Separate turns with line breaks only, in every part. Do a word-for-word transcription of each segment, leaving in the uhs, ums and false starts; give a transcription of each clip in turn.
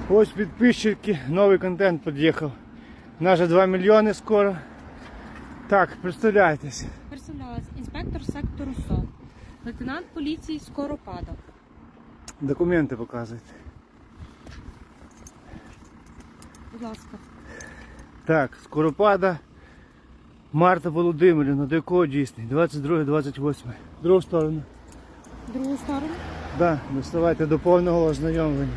Ось підписчики, новий контент під'їхав. Наже два мільйони скоро. Так, представляйтесь.
Представлялась інспектор сектору СО, лейтенант поліції Скоропада.
Документи показуйте.
Будь ласка.
Так, Скоропада Марта Володимирівна, до якого дійсний? двадцять друге двадцять восьме. Другу сторону.
Другу сторону.
Так, да, доставайте до повного ознайомлення.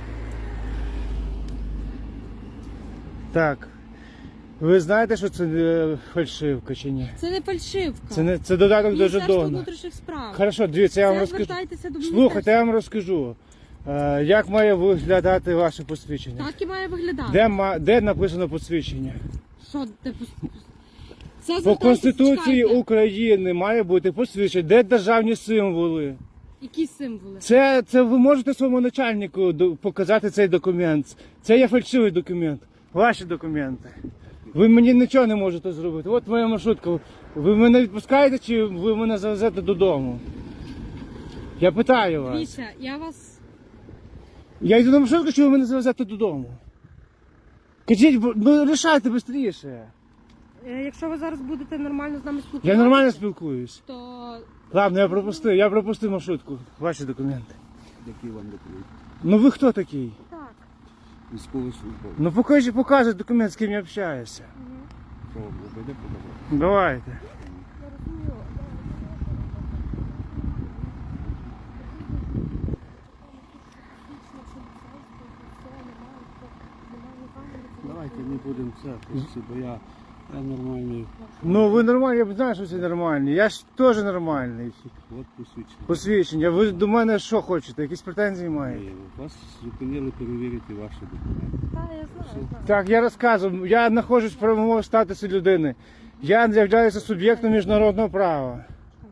Так. Ви знаєте, що це е, фальшивка чи ні?
Це не фальшивка.
Це, не, це додаток до
Міністерство
жетона.
внутрішніх справ.
Хорошо, дивіться, я вам
Це
розкажу.
звертайтеся до
Слухайте, я вам розкажу. Е, як має виглядати ваше посвідчення?
Так і має виглядати.
Де, ма- де написано посвідчення?
Що ти пос- Це
По
звертайтеся,
Конституції
чекайте.
України має бути посвідчення. Де державні символи?
Які символи?
Це, це ви можете своєму начальнику до- показати цей документ. Це є фальшивий документ. Ваші документи. Ви мені нічого не можете зробити. От моя маршрутка. Ви мене відпускаєте чи ви мене завезете додому? Я питаю вас.
Дивіться, я вас...
Я йду на маршрутку, чи ви мене завезете додому? Кажіть, бо- ну рішайте швидше.
Е, Якщо ви зараз будете нормально з нами спілкуватися,
Я нормально спілкуюсь.
то...
Ладно, я пропустив, я пропустив маршрутку. Ваші документи.
Які вам документи?
Ну ви хто такий?
Так.
Військовий службовець.
Ну покажи, покажи документ, з ким я общаюся.
Що вам буде подавати?
Давайте.
Я розумію.
Давайте не будемо це, хлопці, бо я, я нормальний.
Ну ви нормальні, я знаю, що ви нормальні. Я ж теж нормальний.
От посвідчення.
Посвідчення. Ви до мене що хочете? Якісь претензії маєте?
Вас зупинили перевірити ваші документи.
Так, я знаю, знаю.
Так, я розказую. Я знаходжусь в правовому статусі людини. Я являюся суб'єктом міжнародного права.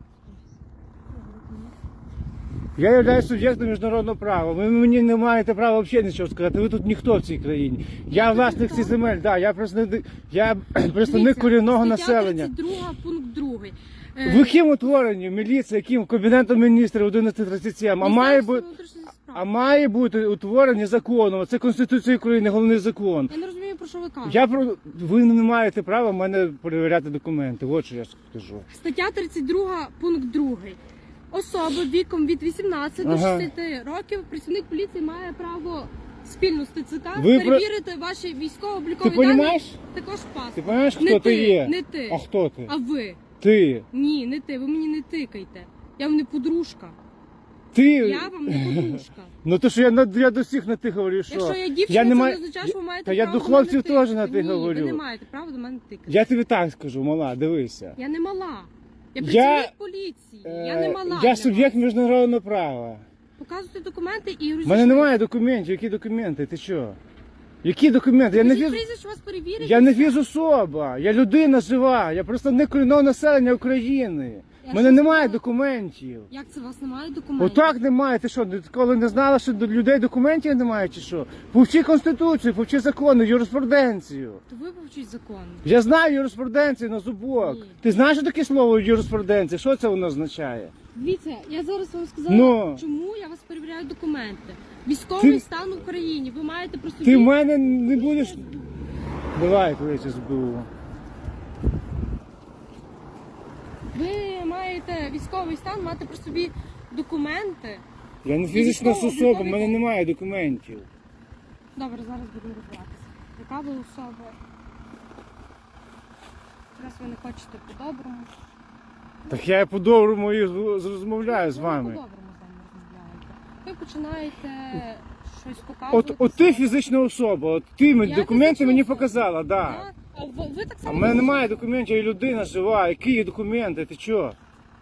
Я являюсь суб'єктом міжнародного права. Ви мені не маєте права взагалі нічого сказати. Ви тут ніхто в цій країні. Я власник цих земель, да, я представник, я представник
Дивіться,
корінного
стаття
населення.
тридцять два, пункт другий.
Ви ким утворені? Міліція, яким? Кабінетом міністрів одинадцять тридцять сім. А має бути, а має бути утворені законом. Це Конституція України, головний закон.
Я не розумію, про що ви кажете.
Я про ви не маєте права в мене перевіряти документи. От що я скажу.
Стаття тридцять два, пункт другий. Особа віком від вісімнадцяти до
Ага.
шістдесяти років працівник поліції має право спільно з ТЦК
Ви про-
перевірити ваші військово-облікові
Ти
дані,
розумієш?
також паспорт.
Ти розумієш, хто
Не
ти
ти,
є?
не ти.
А хто ти?
А ви?
Ти.
Ні, не ти. Ви мені не тикайте. Я вам не подружка.
Ти.
Я вам не подружка.
Ну то що я на я до всіх на ти говорю, що
Якщо я дівчина,
я не
це
маю-
не означає, що ви маєте
Та я
право
до
до мене
хлопців
тикати.
теж на ти
Ні,
говорю.
ви не маєте права до мене тикати.
Я тобі так скажу, мала, дивися.
Я не мала. Я
Я-
працівник поліції. Я не
Е,
мала.
Я
для
суб'єкт
вас.
міжнародного права.
Показуйте документи і
У
розійшлися.
мене немає документів. Які документи? Ти що? Які документи? Я не
Кажіть
віз...
прізвище, вас перевірять.
Я не фізособа, я людина жива, я представник корінного населення України.
Я
У мене
щось
немає
сказала.
документів.
Як це у вас немає документів?
Отак немає. Ти що, коли не знала, що до людей документів немає чи що? Повчи Конституцію, повчи закони, юриспруденцію.
То ви повчіть закон.
Я знаю юриспруденцію на зубок.
Ні.
Ти знаєш що таке слово юриспруденція? Що це воно означає?
Дивіться, я зараз вам сказала,
Ну.
чому я вас перевіряю документи. Військовий
Ти-
стан в Україні. Ви маєте про собі...
Ти в мене не будеш. Давай, кличе СБУ.
Ви маєте військовий стан, мати про собі документи.
Я не фізична
військово-
особа, в
військовий-
мене немає документів.
Добре, зараз будемо розбиратися. Яка ви особа? Раз ви не хочете по-доброму.
Так я по-доброму і з- розмовляю з
Ви
вами.
по-доброму з нами розмовляєте. Ви починаєте щось
От,
показувати.
от ти фізична особа, от ти мені
Я
документи
фізична
мені
особа.
показала, да.
Так. А ви, ви так
А
само...
в мене немає документів, я людина жива. Які є документи? Ти чо?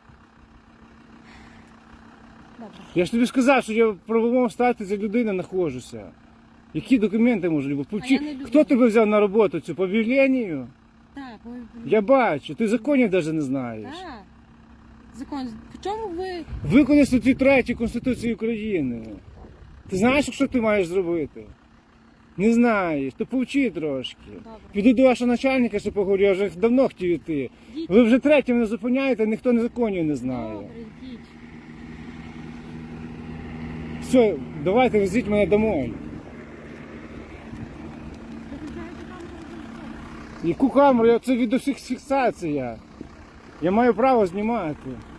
Добре.
Я ж тобі сказав, що я в правовому статусі людини знаходжуся. Які документи можуть бути? Повчи-
А я не люблю.
Хто тебе взяв на роботу цю? По об'явленню?
Так, ви...
Я бачу, ти законів навіть не знаєш.
Так. Закон. В чому ви...
Виконай статтю третю Конституції України. Ти знаєш, що ти маєш зробити? Не знаєш, то повчи трошки.
Добре.
Піду до вашого начальника, що поговорю, я вже давно хотів іти.
Йдіть.
Ви вже третє мене зупиняєте, ніхто не законів не знає.
Добре, йдіть.
Все, давайте везіть мене домой. Яку камеру? Я- Це відеофіксація. Я маю право знімати.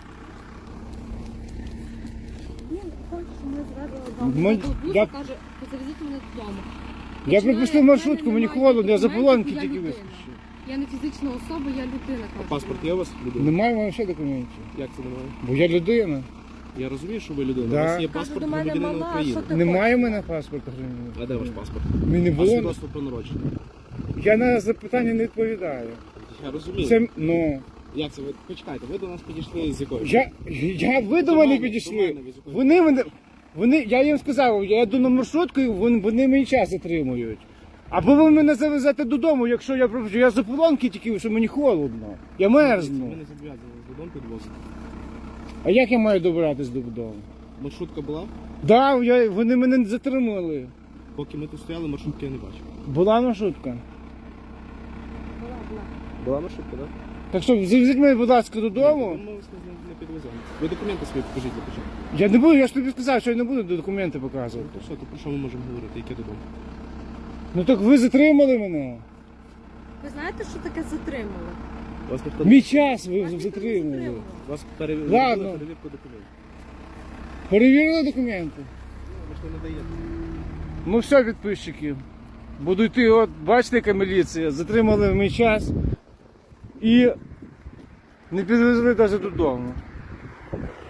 Він хоче, щоб ми зрадили
Ми-
дому. Він
я-
каже, завезіть мене додому.
Я
Починає,
пропустив
в мене
маршрутку, мені
немає
холодно, я за
документів,
полонки
я
тільки
людина.
вискочив.
Я не фізична особа, я людина. кажу.
Паспорт є у вас? Людина?
Немає в мене ще документів.
Як це немає?
Бо я людина.
Я розумію, що ви людина.
Да.
У вас є
Кажу,
паспорт
до мене
громадянина
мала,
України.
що ти
Немає в
хочеш?
мене паспорта громадянина.
А де ваш паспорт?
Мені не
А
було.
свідоцтво про народження?
Я на запитання не відповідаю.
Я розумію.
Це, ну,
Як це ви? Почекайте, ви до нас підійшли з якою?
я, я, ви до
До
мене
мене,
підійшли.
до мене, ви з якою?
Вони мене, вони, я їм сказав, я йду на маршрутку, і вони, вони мені час затримують. Або ви мене завезете додому, якщо я пропущу. Я за полонки тільки, що мені холодно. Я
Ми
мерзну.
не зобов'язані додому підвозити.
А як я маю добиратись додому?
Маршрутка була?
Да, я, вони мене затримали.
Поки ми тут стояли, маршрутки я не бачив.
Була маршрутка.
Була, була.
Була маршрутка, так?
Так що завезіть мене, будь ласка, додому.
Ми вас не, не підвеземо. Ви документи свої покажіть для початку.
Я не буду, я ж тобі сказав, що я не буду документи показувати.
То що, то про що ми можемо говорити? Яке додому?
Ну так ви затримали мене.
Ви знаєте, що таке затримали?
Вас ніхто
Мій час ви
Вас ніхто не
затримали.
затримував.
Вас перевірили
Ладно.
перевірку документів.
Перевірили документи.
Ви ж не надаєте.
Ну все, підписчики. Буду йти, от бачите, яка міліція. Затримали мій час і не підвезли навіть додому.